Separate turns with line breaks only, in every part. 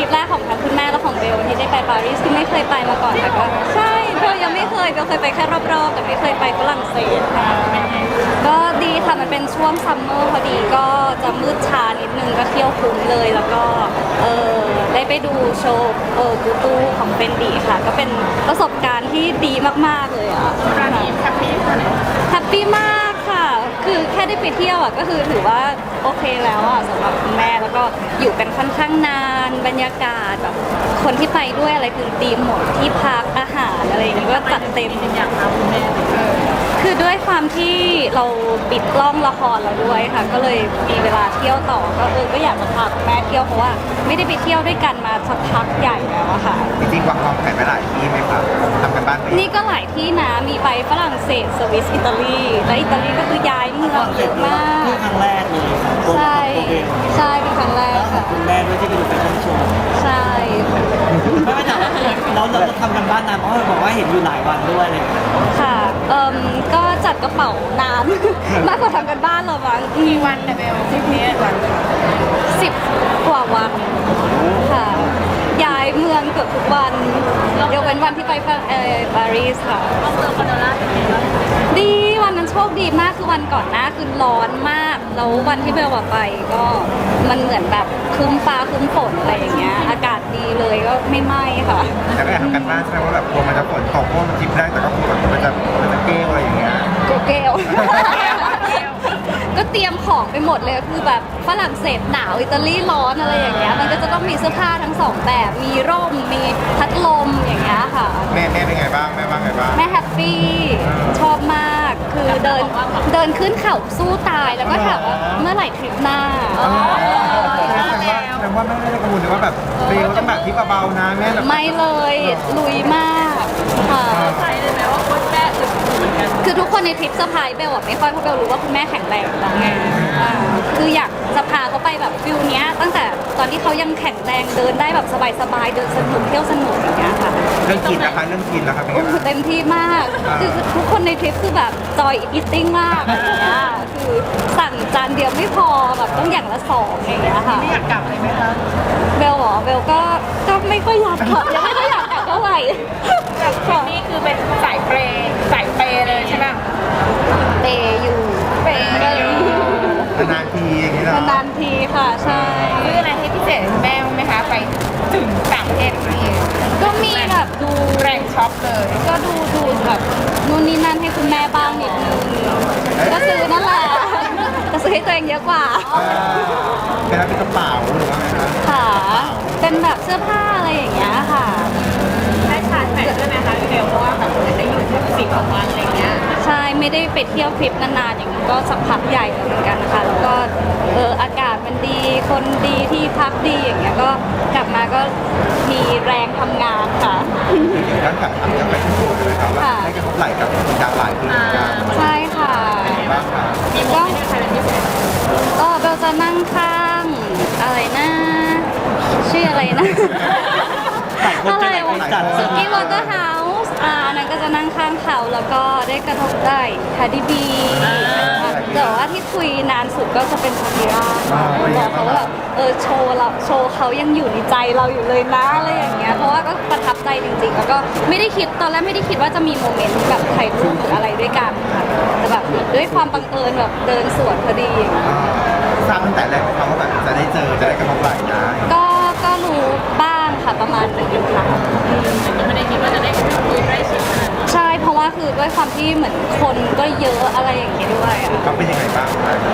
ปแรกของทั้งคุณแม่และของเบลที่ได้ไปปารีสที่ไม่เคยไปมาก่อนแต่ก็ใช่เบลยังไม่เคยเบลเคยไปแค่รอบๆแต่ไม่เคยไปฝรั่งเศสค่ะก็ดีค่ะมันเป็นช่วงซัมเมอร์พอดีก็จะมืดช้านิดนึงก็เที่ยวคุ้มเลยแล้วก็ได้ไปดูโชว์กูตูของเฟนดีค่ะก็เป็นประสบการณ์ที่ดีมากๆเลยอ่ะ
ร้านนี้แฮปปี้ขนาดไหน
แฮปปี้มากค่ะคือแค่ได้ไปเที่ยวอ่ะก็คือถือว่าโอเคแล้วอ่ะสำหรับคุณแม่แล้วก็อยู่กันค่อนข้างนานบรรยากาศแบบคนที่ไปด้วยอะไรคือดีหมดที่พักอาหารอะไรอย่างเงี้ยก็จัดเต็ม
อย่างเราคุณแม่
คือด้วยความที่เราปิดกล้องละครเราด้วยค่ะก็เลยมีเวลาเที่ยวต่อก็อยากจะพาคุณแม่เที่ยวเพราะว่าไม่ได้ไปเที่ยวด้วยกันมาสักพักใหญ่แล้วอะค่ะ
จริงๆวางแผนไปหลายที่ไหมครับทำกันบ้านไป
นี่ก็หลายที่นะมีไปฝรั่งเศสสวิสอิตาลีและอิตาลีก็คือย้ายเมืองเยอะมาก
นี่ครั้งแรกเลย
ใช่ใช่เป็นครั้งแรกค่ะ
คุณแม่ด้วยที่ไปดูแฟชั่นโชว์
ใช่
ไม่ถามเราทำกันบ้านนานเพราะบอกว่าเห็นอยู่หลายวันด้วยเลย
ค่ะก็จัดกระเป๋านาน มากกว่าทำกันบ้านเราบ้าง
มีวันแต่เบล10 วัน
10 กว่าวันค่ะย้ายเมืองเกือบทุกวันยกเว้นวันที่ไปปารีสค่ะ
ก็เจอคอนโดล่าเป็นไงบ้าง
ดีวันนั้นโชคดีมากคือวันก่อนหน้าคือร้อนมากแล้ววันที่เบลไปก็มันเหมือนแบบครึ้มฟ้าครึ้มฝนอะไรอย่างเงี้ยอากาศดีเลยก็ไม่ไหม้ค่ะ
แล้วก็อยากทำกันบ้านใช่ไหมว่าแบบกลัวมันจะฝนตกเพราะมันทริปแรกแต่ก็กลัวแบบมันจะเกลี้ยวอะไรอย่างเงี้ย
เกลก็เตรียมของไปหมดเลยคือแบบฝรั่งเศสหนาวอิตาลีร้อนอะไรอย่างเงี้ยมันก็จะต้องมีเสื้อผ้าทั้งสองแบบมีร่มมีพัดลมอย่างเงี้ยค่ะ
แม่เป็นไงบ้างแม่ว่าไงบ้าง
แม่แฮปปี้ชอบมากคือเดินขึ้นเขาสู้ตายแล้วก็ถามว่าเมื่อไหร่ทริปหน้า
แต่ว่าแม่ไม่ได้กังวลเลยว่าแบบเบลต้องแบบทริปเบาๆนะแม่แบบ
ไม่เลยลุยมากค่ะ
ใช่เลยไหมว่าคุณแม่อึดเหมือนกัน
คือทุกคนในทริปเซอร์ไพรส์เบลไม่ค่อยเพราะเบลรู้ว่าคุณแม่แข็งแรงแล้วไงคืออยากจะพาเขาไปแบบฟิลเนี้ยตั้งแต่ตอนที่เขายังแข็งแรงเดินได้แบบสบายๆเดินสนุกเที่ยวสนุกอย่างเงี้ยค่ะ
เรื่องกินนะคะเรื่องกินแล้วครับเป็นไงบ้าง
เต็มที่มากคือทุกคนในทริปคือแบบจอยอิทติ้งมากอะไรอย่างเงี้ยคือสั่งจานเดียวไม่พอแบบต้องอย่างละ2อย่างเงี้ยค่ะ
ไม่อยากกลับเลยไหมคะ
เบลก็ไม่ค่อยอยากกลับยังไม่ค่อยอยากกลับเท่าไหร่
จากนี่คือเป็นสายเปย์เลยใช่ไหม
เปย์อยู่
เปย์
นานทีอย่างเงี้ย
นานทีค่ะใช่
ซื้ออะไรให้พิเศษแม่ไหมคะไปถึงต่างประเทศนี่
ก็มีแบบดู
แรงช็อปเลย
ก็ดูแบบนู่นนี่นั่นให้คุณแม่บ้างนิดนึงก็ซื้อนั่นแหละแต่ซื้อให้ตัวเองเยอะกว่า
เป็นกระเป๋าหรือว่าไงคะ
ค่ะเป็นแบบเสื้อผ้าอะไรอย่างเงี้ยค่ะ
ได้ชาร์จแบตด้วยไหมคะเดี๋ยวเพราะว่าแบบได้อยู่ถึง10 กว่าวันอะไรเงี้ย
ใช่ไม่ได้ไปเที่ยวทริปนานๆอย่างนี้ก็สักพักใหญ่เหมือนกันนะคะแล้วก็อากาศมันดีคนดีที่พักดีอย่างเงี้ยก็กลับมาก็มีแรงทำงานค่ะ
ด้านการทำยังไปที่สุดเลยครับว่าได้กระทบไหลกับดาวหลายที่กัน
ใช่ค่ะ
บ้างค่ะ
มีโมเมนต์อะไรพิเศษ
ก็เบลจะนั่งข้างอะไรนะชื่ออะไรนะอะไรวะสกี้วอเตอร์เฮาส์นั่นก็จะนั่งข้างเขาแล้วก็ได้กระทบได้คาร์ดิบีแต่ว่าที่คุยนานสุดก็จะเป็นชาคิราบอกเขาว่าโชว์เขายังอยู่ในใจเราอยู่เลยนะอะไรอย่างเงี้ยเพราะว่าก็ประทับใจจริงๆแล้วก็ไม่ได้คิดตอนแรกไม่ได้คิดว่าจะมีโมเมนต์แบบถ่ายรูปหรืออะไรด้วยกันค่ะแต่แบบด้วยความบังเอิญแบบเดินสวนพอดี
ทราบตั้งแต่แรกเขาว่าแบบจะได้เจอจะได้กระทบไหลนะ
ก็รู้บ้างค่ะประมาณ1 ค่ะ
แต่ไม่ได้คิดว่าจะได้คุยใกล้ชิดขนาดนั้น
ใช่เพราะว่าคือด้วยความที่เหมือนคนก็เยอะอะไรอย่างเงี้ยด้วย
เขาเป็นยังไงบ้าง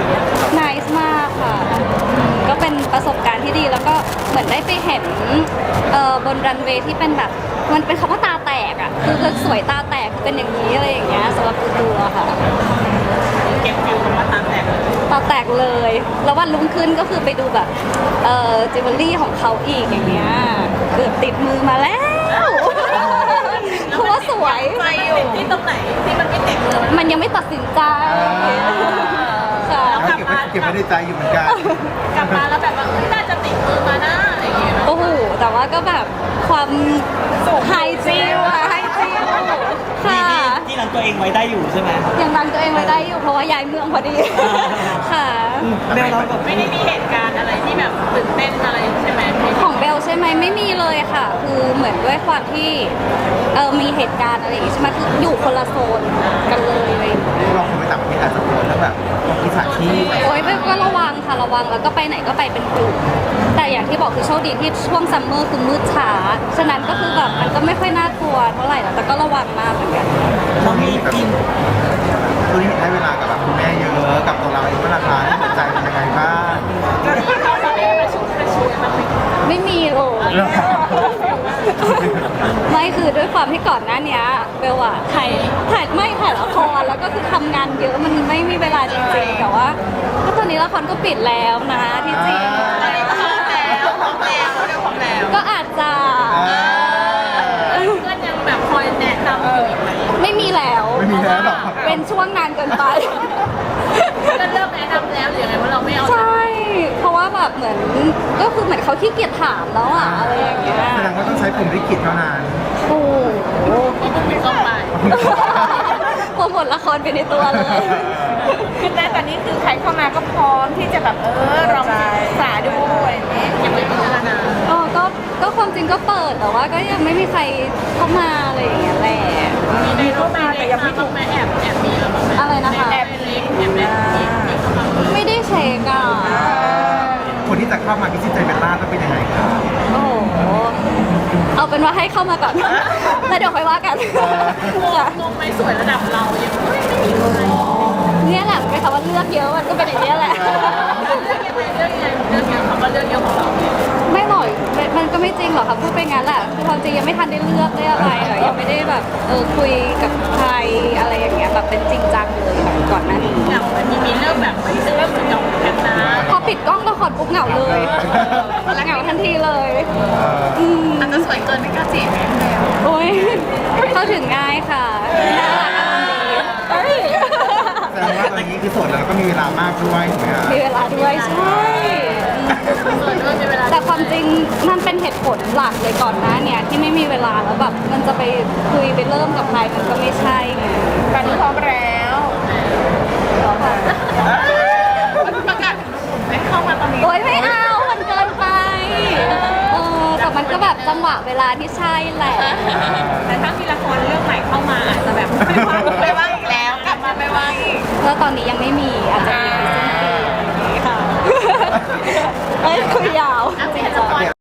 nice มากค่ะก็เป็นประสบการณ์ที่ดีแล้วก็เหมือนได้ไปเห็นบนรันเวย์ที่เป็นแบบมันเป็นคำว่าตาแตกอ่ะคือสวยตาแตกเป็นอย่างนี้อะไรอย่างเงี้ยสำหรับตัวค่ะ
เก็บฟิลคำว่าตาแตก
ตาแตกเลยแล้ววันรุ่งขึ้นก็คือไปดูแบบจิวเวลรี่ของเขาอีกอย่างเงี้ยเกือบติดมือมาแล้วเพราะว่าสวย
ไปอยู่ที่ตรงไหนที่มันไม่ติดมือ
มันยังไม่ตัดสินใจ
ค่ะเก็บไว้ในใจอยู่เหมือนกัน
กลับมาแล้วแบบว่าน่าจะติดมือมาหน้าอะไรอย่างเงี้ย
โอ้โหแต่ว่าก็แบบความไฮจิวค่ะ
ที่รังตัวเองไว้ได้อยู่ใช่ไหม
ยังรังตัวเองไว้ได้อยู่เพราะว่าย้ายเมืองพอดีค่ะ
เบลเราแบบไม่ได้มีเหตุการณ์อะไรที่แบบตื่นเต้นอะไรใช่ไหม
ของเบลใช่ไหมไม่มีเลยค่ะ คือเหมือนด้วยความที่มีเหตุการณ์อะไรอย่างงี้ใช่ไหมคืออยู่คนละโซนกันเลยอะไรอย่างเงี้ย
เราคงไปต่างประเทศอาจจะโดนแล้วแบบมิจฉาชีพ
โอ้ยก็ระวังค่ะระวังแล้วก็ไปไหนก็ไปเป็นกลุ่มแต่อย่างที่บอกคือโชคดีที่ช่วงซัมเมอร์คือมืดช้าฉะนั้นก็คือแบบมันก็ไม่ค่อยน่ากลัวเท่าไหร่หรอกแต่ก็ระวังมากเหมือนกัน
เรามีกิน
ตัวนี้ให้เวลากับแบบคุณแม่เยอะกับตัวเราเองเมื่อราคาที่หัวใจเป็นยังไงบ้าง
ไม่มีเลย ไม่คือด้วยความที่ก่อนหน้าเนี้ยเบลอะถ่ายละครแล้วก็คือทำงานเยอะมันไม่มีเวลาจริงๆแต่ว่าก็ตอนนี้ละครก็ปิดแล้วนะที่จริงก็อาจจะ
เพื่อนยังแบบคอยแนะนำอยู่อีกไหม
ไม่มีแล้ว
ไม่มีแล้วหรอก
เป็นช่วงนานเกินไป
ก็เริ่มแนะนำแล้วหรือยังไงว่าเราไม่เอา
ใช่ เพราะว่าแบบเหมือนก็คือเหมือนเขาขี้เกียจถามแล้วอะอะไรอย่างเงี้ย
แสดงว่าต้องใช้ผมลิขิตเท่านั้น
โอ้โห
ต้องไป
โปรโมทละครไปในตัวเลย
คือแต่ตอนนี้คือใครเข้ามาก็พร้อมที่จะแบบลองศึกษาดูอะไรอย่างเงี้ยยังไม่พิจารณา
ก็ความจริงก็เปิดแต่ว่าก็ยังไม่มีใครเข้ามาอะไรอย่างเงี้ยแหละ
มีเข้ามาแต่ยังไม่ถูกแม่แอบมีแล้วมั้ง
อะไรนะคะ
แอบเล็กแอบเล็กมีเข้ามา
ไม่ได้เช็คอ่ะ
คนที่จะเข้ามาพิชิตใจเบลล่าต้องเป็นยังไงครับ
โอ้โหเอาเป็นว่าให้เข้ามาก่อน แล้วเดี๋ยวค่อยว่ากันค่ะ
งงไหมสวยระดับเรายังไม่มีเลย
เนี่ยแหละเป็นคำว่าเลือกเยอะมันก็เป็นอย่างนี้ยแหละ
เรื่องเยอะคำว่าเรื่องเยอะของเรา
ไม่หรอกมันก็ไม่จริงหรอกค่ะพูดไปงั้นแหละคือความจริงยังไม่ทันได้เลือกได้อะไรเลยยังไม่ได้แบบคุยกับใครอะไรอย่างเงี้ยแบบเป็นจริงจังเลยแบบก่อนหน้านี้
อย่างมีเริ่มแบบไม่เริ่มจะจบกันนะ
พอปิดกล้องละครปุ๊บเหงาเลยเหงาทันทีเลยม
อาจจะสวยเกินไม่กล้าจีบแม่แล้ว
โอ้ยเข้าถึงง่ายค่ะน่ารักอารมณ์ดีเอ้ย
แสดงว่าตอนนี้คือโสดแล้วก็มีเวลามากด้วยถูกไหมครับ
มีเวลาด้วยใช่
สวยด้วยมีเวลา
แต่ความจริงมันเป็นเหตุผลหลักเลยก่อนหน้าเนี่ยที่ไม่มีเวลาแล้วแบบมันจะไปคุยไปเริ่มกับใครมันก็ไม่ใช่ไง
ตอนนี้พร้อมแล้วประกาศไม่เข้ามาตอนนี้
โอ๊ยไม่เอามันเกินไปแต่มันก็แบบจังหวะเวลาที่ใช่แหละ
แต่ถ้ามีละครเรื่องใหม่เข้ามาอาจจะแบบไม่ว่างอีกแล้วกลับมาไม่ว่างอีก
แล้วตอนนี้ยังไม่มีอาจจะมีในสิ้นปีค่ะเอ้ยคุยยาว
อาจจะเห็นละคร